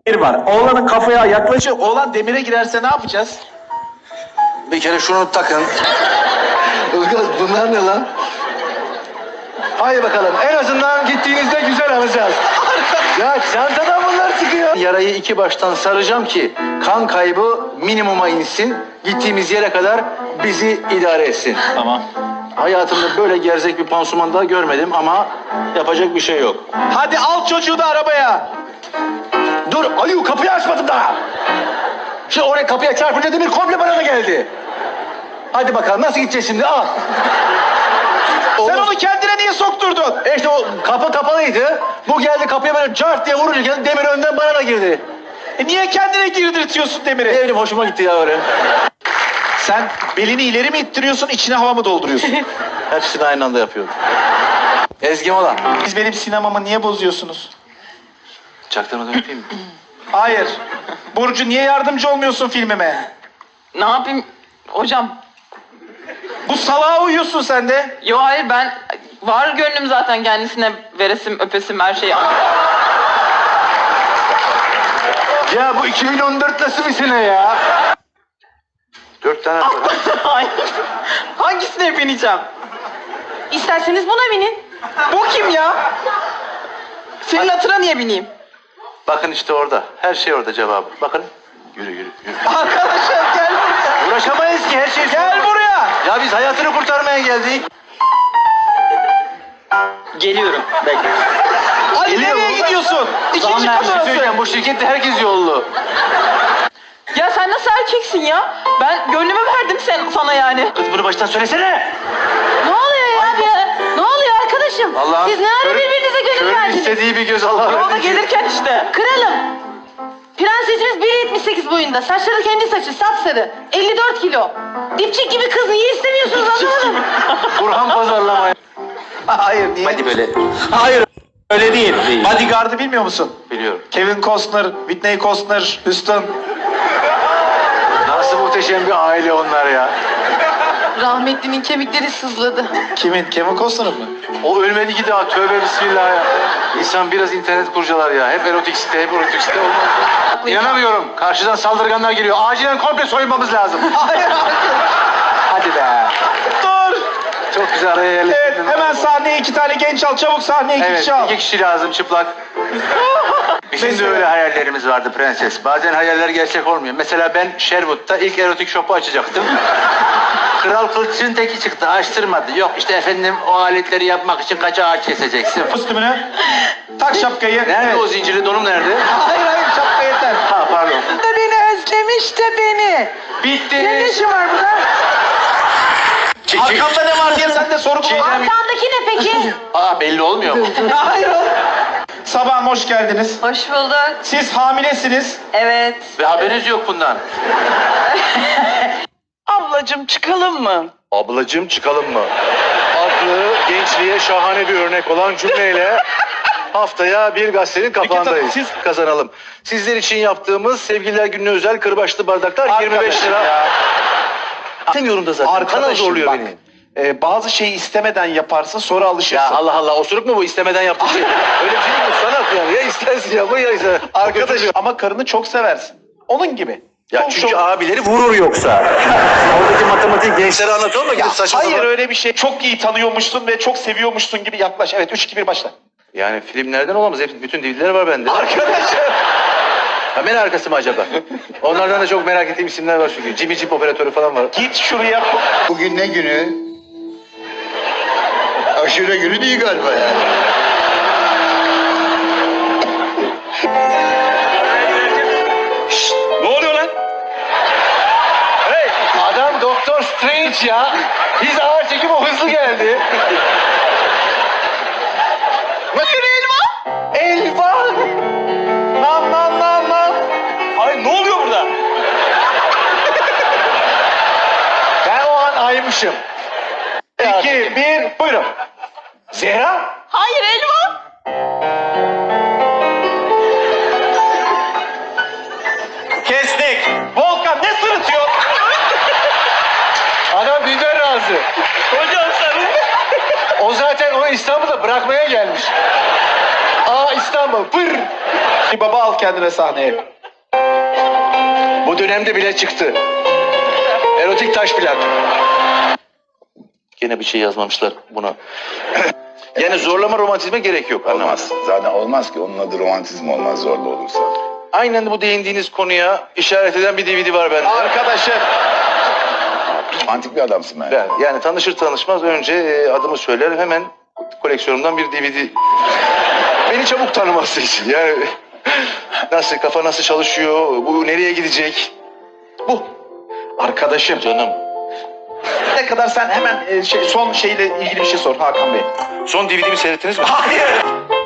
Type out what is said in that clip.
demir var. Oğlanın kafaya yaklaşıyor. Oğlan demire girerse ne yapacağız? Bir kere şunu takın. Ilgaz bunlar ne lan? Haydi bakalım. En azından gittiğinizde güzel alacağız. Ya çantadan bunlar çıkıyor. Yarayı iki baştan saracağım ki kan kaybı minimuma insin. Gittiğimiz yere kadar bizi idare etsin. Tamam. Hayatımda böyle gerzek bir pansuman daha görmedim ama yapacak bir şey yok. Hadi al çocuğu da arabaya. Dur Aliyu kapıyı açmadım daha. Şimdi oraya kapıya çarpınca demir komple bana da geldi. Hadi bakalım nasıl gideceğiz şimdi al. Sen onu kendine niye sokturdun? İşte o kapı kapalıydı. Bu geldi kapıya böyle cart diye vururken demir önden bana da girdi. Niye kendine girdirtiyorsun demiri? Ne bileyim hoşuma gitti ya öyle. Sen belini ileri mi ittiriyorsun, içine hava mı dolduruyorsun? Hepsini aynı anda yapıyorum. Ezgi Mola. Siz benim sinemamı niye bozuyorsunuz? Çaktırmadan öpeyim mi? Hayır. Burcu niye yardımcı olmuyorsun filmime? Ne yapayım hocam? Bu salağa uyuyorsun sen de. Yo hayır ben var gönlüm zaten kendisine veresim öpesim her şeyi. Ya bu 2014 nasıl bir sene ya? 4 tane var. Hayır. Hangisine bineceğim? İsterseniz buna binin. Bu kim ya? Senin hatırına niye bineyim? Bakın işte orada. Her şey orada cevabı. Bakın. Yürü yürü yürü. Arkadaşlar gel buraya. Uğraşamayız ki her şey. Gel buraya. Ya biz hayatını kurtarmaya geldik. Geliyorum. Bekle. Ali Geliyor nereye mu? gidiyorsun? İkinci Bir şey kat söyleyeceğim. Bu şirkette herkes yollu. Ya sen nasıl erkeksin ya? Ben gönlümü verdim sana yani. Kız bunu baştan söylesene. Ne oluyor ya? Ne oluyor arkadaşım? Allah'ım. Siz ne ara birbirinize gönül Körün verdiniz? istediği bir göz Allah'ım. Yolda gelirken işte. Kralım. Prensesimiz 1.78 boyunda. Saçları kendi saçı. Sapsarı. 54 kilo. Dipçik gibi kız niye istemiyorsunuz anlamadım. Burhan pazarlamaya. Hayır niye? Hadi böyle. Hayır öyle değil. Bodyguard'ı bilmiyor musun? Biliyorum. Kevin Costner, Whitney Costner, Houston. Nasıl muhteşem bir aile onlar ya. Rahmetlinin kemikleri sızladı. Kimin? Kevin Costner'ın mı? O ölmedi ki daha. Tövbe bismillah ya. İnsan biraz internet kurcalar ya. Hep erotik site, hep erotik site olmaz. İnanamıyorum. Karşıdan saldırganlar geliyor. Acilen komple soyunmamız lazım. Hayır hayır. Hadi be. Dur. Çok güzel araya Evet yerleştirdin. hemen sahneye 2 tane genç al. Çabuk sahneye 2 Evet, kişi al. 2 kişi lazım çıplak. Bizim de Mesela? öyle hayallerimiz vardı prenses. Bazen hayaller gerçek olmuyor. Mesela ben Sherwood'da ilk erotik shop'u açacaktım. Kral kılıçın teki çıktı, açtırmadı. Yok işte efendim o aletleri yapmak için kaç ağaç keseceksin. Kostümünü. Tak şapkayı. Nerede o zincirli donum nerede? Hayır hayır şapka yeter. Ha pardon. De beni özlemiş de beni. Bitti. Ne işin var burada? Arkamda ne var diye sen de soru kullan. Arkandaki ne peki? Aa belli olmuyor mu? Hayır oğlum. Sabahım hoş geldiniz. Hoş bulduk. Siz hamilesiniz. Evet. Ve haberiniz yok bundan. Ablacığım çıkalım mı? Ablacığım çıkalım mı? Adlı gençliğe şahane bir örnek olan cümleyle haftaya bir gazetenin kapağındayız. Siz- Kazanalım. Sizler için yaptığımız Sevgililer Günü'ne özel kırbaçlı bardaklar 25 lira. Ya. İstemiyorum da zaten. Kanal Arkadaşım zorluyor bak. beni. Bazı şeyi istemeden yaparsın sonra Ya alışırsın. Allah Allah osuruk mu bu istemeden yaptığı şey? Öyle bir şey mi bu? Sanat yani. Ya istersin ya bu ya ister. Arkadaşım ama karını çok seversin. Onun gibi. Ya Çok, çünkü çok- abileri vurur yoksa. Oradaki matematik gençlere anlatıyor mu? Ya Gidip saçma hayır sapan- öyle bir şey. Çok iyi tanıyormuşsun ve çok seviyormuşsun gibi yaklaş. Evet 3-2-1 başla. Yani filmlerden olamaz. Hep, bütün DVD'ler var bende. Arkadaşım. Kamera arkası mı acaba? Onlardan da çok merak ettiğim isimler var çünkü. Jimmy Jeep operatörü falan var. Git şuraya. Bugün ne günü? Aşure günü değil galiba yani. Ne oluyor lan? Hey, adam Doktor Strange ya. Biz ağır çekim o hızlı geldi. Elvan. Nam nam nam nam. Ay ne oluyor burada? Ben o an aymışım. 2-1 buyurun. Zehra. Hayır Elvan. Kestik. Volkan ne sırıtıyor? Adam bizden razı. Hocam sen. O zaten onu İstanbul'da bırakmaya gelmiş. Aa İstanbul. Pır. Bir baba al kendine sahneye. Bu dönemde bile çıktı. Erotik taş plak. Gene bir şey yazmamışlar buna. Yani zorlama romantizme gerek yok. Olmaz. Zaten olmaz ki. Onun adı romantizm olmaz zorlu olursa. Aynen bu değindiğiniz konuya işaret eden bir DVD var bende. Arkadaşım. Romantik bir adamsın ben. Yani tanışır tanışmaz önce adımı söyler hemen koleksiyonumdan bir DVD. Beni çabuk tanıması için yani nasıl kafa nasıl çalışıyor, bu nereye gidecek? Bu. Arkadaşım. Canım. Ne kadar sen hemen son şeyle ilgili bir şey sor Hakan Bey. Son DVD'mi seyrettiniz mi? Hayır.